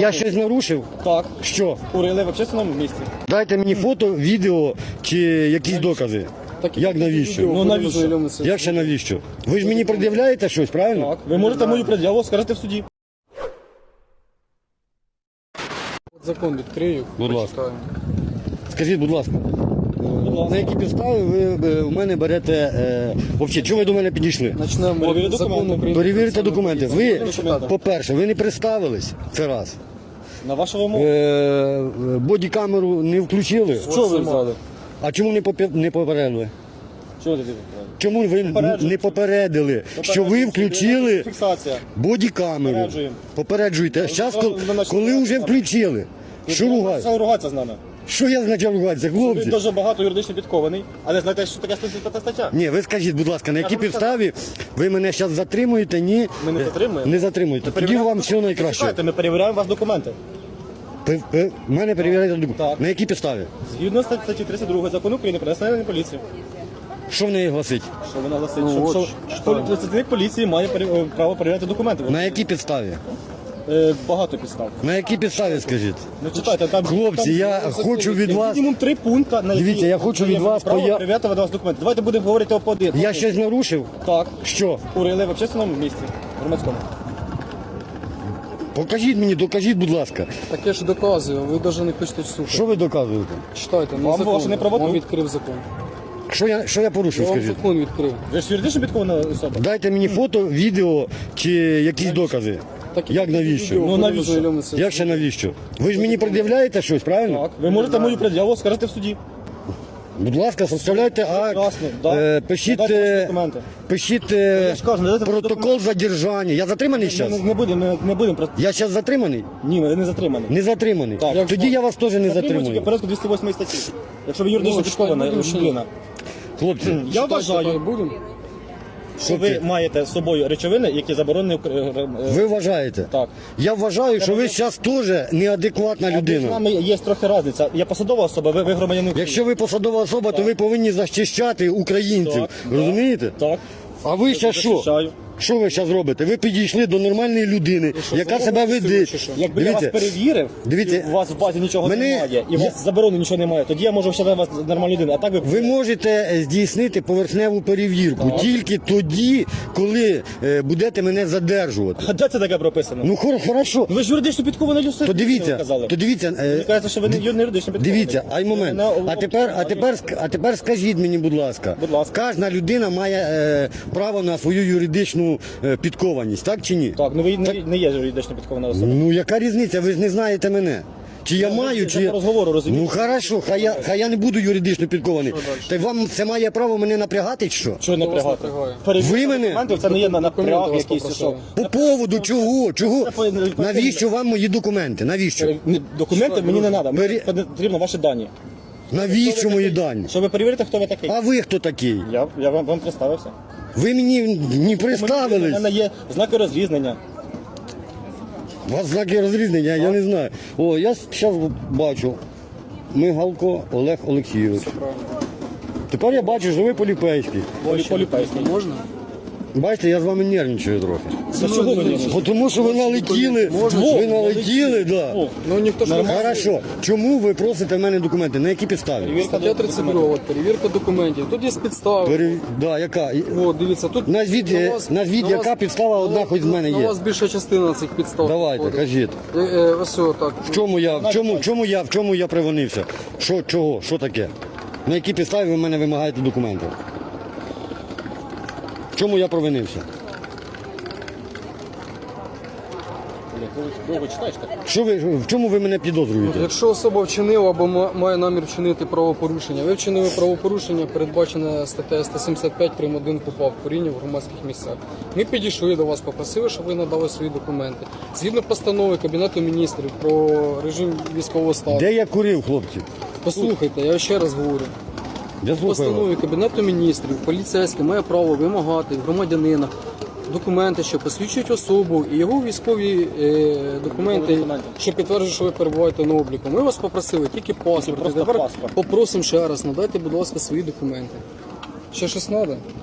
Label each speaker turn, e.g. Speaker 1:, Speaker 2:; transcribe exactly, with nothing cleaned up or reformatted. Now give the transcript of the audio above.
Speaker 1: Я щось нарушив?
Speaker 2: Так.
Speaker 1: Що?
Speaker 2: Курили в общественному місці.
Speaker 1: Дайте мені фото, відео чи якісь докази.
Speaker 3: Так,
Speaker 1: Як навіщо?
Speaker 2: Ну навіщо?
Speaker 1: Як ще навіщо? Ви ж мені пред'являєте щось, правильно?
Speaker 2: Так. Ви можете мою пред'яву скажете в суді.
Speaker 3: Закон відкрию.
Speaker 1: Будь ласка.
Speaker 3: почитаю.
Speaker 1: Скажіть, будь ласка,
Speaker 2: Будь ласка.
Speaker 1: на які підстави ви е, в мене берете, е, взагалі, чого ви до мене підійшли?
Speaker 3: Почнемо
Speaker 2: Перевірити
Speaker 3: від закону
Speaker 2: документи.
Speaker 3: України.
Speaker 1: Перевірте документи. Ви,
Speaker 2: Документи.
Speaker 1: по-перше, ви не представились, це раз.
Speaker 2: На вашу вимогу.
Speaker 1: Е, бодікамеру не включили.
Speaker 2: Що ви взяли?
Speaker 1: А чому не, попе- не попередили?
Speaker 2: Чого ти взяли?
Speaker 1: Чому ви
Speaker 2: Попереджую.
Speaker 1: не попередили, що ви включили
Speaker 2: Фіксація.
Speaker 1: бодікамеру?
Speaker 2: Попереджуємо.
Speaker 1: Попереджуєте. Зараз,
Speaker 2: ви начали
Speaker 1: коли вже включили. Що
Speaker 2: Ви
Speaker 1: ругати?
Speaker 2: почали ругатися з нами.
Speaker 1: Що я значав ругатися,
Speaker 2: Ви
Speaker 1: хлопці?
Speaker 2: дуже багато юридично підкований, але знаєте, що таке сто сімдесят п'ята стаття?
Speaker 1: Ні, ви скажіть, будь ласка, на якій
Speaker 2: ж вам
Speaker 1: підставі ви мене зараз затримуєте? Ні.
Speaker 2: Ми не
Speaker 1: Е,
Speaker 2: затримуємо.
Speaker 1: Не затримуєте. Тоді
Speaker 2: Перевіряємо
Speaker 1: вам все найкраще.
Speaker 2: Чекайте, ми перевіряємо вас документи.
Speaker 1: Пе- пе- Мене перевіряєте документи.
Speaker 2: Так.
Speaker 1: На якій підставі?
Speaker 2: Згідно статті тридцять два закону України про національну поліцію.
Speaker 1: Що в неї гласить?
Speaker 2: Що вона гласить?
Speaker 3: Ну,
Speaker 2: що,
Speaker 3: от,
Speaker 2: що,
Speaker 3: що?
Speaker 2: полі- працівник поліції має пере- е, право перевіряти документи.
Speaker 1: На якій підставі?
Speaker 2: Е, багато підстав.
Speaker 1: На якій підставі, скажіть?
Speaker 2: Ну читайте, там
Speaker 1: Хлопці,
Speaker 2: там,
Speaker 1: я хочу від вас...
Speaker 2: мінімум три пункти, на які
Speaker 1: Дивіться, я хочу від
Speaker 2: є
Speaker 1: вас
Speaker 2: право
Speaker 1: поя-
Speaker 2: перевіряти від вас документи. Давайте будемо говорити по один.
Speaker 1: Я щось нарушив?
Speaker 2: Так.
Speaker 1: Що?
Speaker 2: Курили в общественному місці, громадському.
Speaker 1: Покажіть мені, докажіть, будь ласка.
Speaker 3: Так я ж доказую, а ви навіть не хочете слухати.
Speaker 1: Що ви доказуєте?
Speaker 3: Читайте, на
Speaker 2: Вам
Speaker 3: закон.
Speaker 2: ваше неправоту.
Speaker 3: Вам відкрив закон.
Speaker 1: Що я, що я порушив,
Speaker 3: Я вам
Speaker 1: скажіть?
Speaker 3: закон відкрив.
Speaker 2: Ви ж юридично підкована особа?
Speaker 1: Дайте мені фото, відео чи якісь докази.
Speaker 3: Так,
Speaker 1: Як навіщо?
Speaker 3: відео,
Speaker 2: Ну,
Speaker 3: будемо
Speaker 2: навіщо?
Speaker 3: знайомитися.
Speaker 1: Як ще навіщо? Ви ж мені пред'являєте щось, правильно?
Speaker 2: Так. Ви можете мою пред'яву скажете в суді.
Speaker 1: Будь ласка, составляйте акт,
Speaker 2: Прекрасно, да.
Speaker 1: е, пишіть,
Speaker 2: Надайте ваші
Speaker 1: е,
Speaker 2: документи.
Speaker 1: пишіть е,
Speaker 2: Я ж кажу, надайте ваші
Speaker 1: протокол задержання. Я затриманий
Speaker 2: Ми
Speaker 1: зараз?
Speaker 2: не, не будемо, не, не будемо просто.
Speaker 1: Я зараз затриманий?
Speaker 2: Ні, ви не затримані.
Speaker 1: Не затриманий.
Speaker 2: Так.
Speaker 1: Тоді я вас теж не
Speaker 2: Затримують тільки
Speaker 1: затримую.
Speaker 2: порядку двісті восьмої статті. Якщо ви юридично
Speaker 3: Ну,
Speaker 2: підкована
Speaker 3: читайте, будемо
Speaker 2: людина.
Speaker 1: Хлопці,
Speaker 2: Я
Speaker 3: Читайте,
Speaker 2: вважаю,
Speaker 3: будемо.
Speaker 2: що ви маєте з собою речовини, які заборонені. е, е,
Speaker 1: ви вважаєте?
Speaker 2: Так.
Speaker 1: Я вважаю, що ви зараз теж неадекватна
Speaker 2: Між
Speaker 1: людина.
Speaker 2: нами є трохи різниця. Я посадова особа, ви, ви громадянин України.
Speaker 1: Якщо ви посадова особа, то ви повинні захищати українців.
Speaker 2: Так,
Speaker 1: Розумієте?
Speaker 2: Так.
Speaker 1: А ви зараз що?
Speaker 2: Захищаю.
Speaker 1: Що ви зараз робите? Ви підійшли до нормальної людини, яка себе веде.
Speaker 2: Якби я вас
Speaker 1: Дивіться,
Speaker 2: перевірив,
Speaker 1: Дивіться,
Speaker 2: і у вас в базі нічого
Speaker 1: мене-
Speaker 2: немає, і у
Speaker 1: я-
Speaker 2: вас заборони нічого немає, тоді я можу вважати вас нормальною людиною. А так ви...
Speaker 1: ви можете здійснити поверхневу перевірку тільки тоді, коли е, будете мене задержувати.
Speaker 2: А де це таке прописано?
Speaker 1: Ну хор- хорошо.
Speaker 2: Ви ж юридично підковані люди.
Speaker 1: То дивіться,
Speaker 2: казали.
Speaker 1: то дивіться. е,
Speaker 2: Мені кажеться, що ви не не юридично підковані.
Speaker 1: Дивіться, ай момент.
Speaker 2: Ви не-
Speaker 1: А тепер, а тепер, ск- а тепер скажіть мені, будь ласка,
Speaker 2: Будь ласка.
Speaker 1: кожна людина має е, право на свою юридичну е, підкованість, так чи ні?
Speaker 2: Так, ну ви не, не є юридично підкована особа.
Speaker 1: Ну яка різниця? Ви ж не знаєте мене. Чи я маю, чи
Speaker 2: Це
Speaker 1: я...
Speaker 2: по розговору, розумієте?
Speaker 1: Ну хорошо, хай я, хай я не буду юридично підкований. Та й вам це має право мене напрягати, чи що?
Speaker 2: Чого не
Speaker 3: Хто вас
Speaker 2: прягати?
Speaker 3: напрягає?
Speaker 2: Перевірка
Speaker 1: Ви мене?
Speaker 2: документів, це не є на
Speaker 3: Документи
Speaker 2: напряг
Speaker 3: вас
Speaker 2: якийсь. Що.
Speaker 3: попросили.
Speaker 1: По поводу чого? Чого?
Speaker 2: Це по- по-
Speaker 1: Навіщо вам мої документи? Навіщо?
Speaker 2: Ні, Документи мені не треба, мені
Speaker 1: Пері-
Speaker 2: потрібно ваші дані.
Speaker 1: Навіщо мої дані?
Speaker 2: Щоб ви перевірите, хто ви такий.
Speaker 1: А ви хто такий?
Speaker 2: Я, я вам, вам представився.
Speaker 1: Ви мені не
Speaker 2: У
Speaker 1: представились.
Speaker 2: мене є знаки розрізнення.
Speaker 1: У вас знаки розрізнення, я не знаю. О, я зараз бачу. Мигалко Олег Олексійович. Тепер я бачу, що ви поліцейський.
Speaker 2: Полі, поліпейський.
Speaker 3: Можна?
Speaker 1: Бачите, я з вами нервничаю трохи.
Speaker 2: За чого ви не
Speaker 1: Бо тому що ви налетіли, ви налетіли, да.
Speaker 2: О,
Speaker 3: Ну ніхто ж не
Speaker 1: Хорошо. Чому ви просите в мене документи? На які підстави?
Speaker 2: перевірка
Speaker 3: Стаття тридцять два, от, перевірка документів. Тут є підстави.
Speaker 1: Пере... Да, яка? І-
Speaker 3: О, дивіться, тут
Speaker 1: Назвіть,
Speaker 3: на
Speaker 1: е,
Speaker 3: вас-
Speaker 1: назвіть,
Speaker 3: на
Speaker 1: яка
Speaker 3: вас-
Speaker 1: підстава одна
Speaker 3: на-
Speaker 1: хоч з мене
Speaker 3: на
Speaker 1: є.
Speaker 3: вас більша частина цих підстав.
Speaker 1: Давайте,
Speaker 3: підходить.
Speaker 1: кажіть.
Speaker 3: Е, е, ось о, так.
Speaker 1: В чому я, в чому, в чому я, в чому я привинився? Що, чого, що таке? На якій підставі ви в мене вимагаєте документи? В чому я провинився?
Speaker 2: довго читаєш так?
Speaker 1: Що ви, в чому ви мене підозрюєте?
Speaker 3: Якщо особа вчинила або ма- має намір вчинити правопорушення, ви вчинили правопорушення, передбачене статтею сто сімдесят п'ять прим. один КУпАП куріння в громадських місцях. Ми підійшли до вас, попросили, щоб ви надали свої документи. Згідно постанови Кабінету міністрів про режим військового стану.
Speaker 1: Де я курив, хлопці?
Speaker 3: Послухайте, я ще раз говорю.
Speaker 1: Я
Speaker 3: В
Speaker 1: слухаю вас.
Speaker 3: постанові Кабінету міністрів поліцейський має право вимагати в громадянина документи, що посвідчують особу і його військові е, документи,
Speaker 2: документи.
Speaker 3: що підтверджують, що ви перебуваєте на обліку. Ми вас попросили тільки паспорт.
Speaker 2: просто
Speaker 3: Тепер
Speaker 2: паспорт.
Speaker 3: попросимо ще раз, надайте, будь ласка, свої документи. Ще щось треба?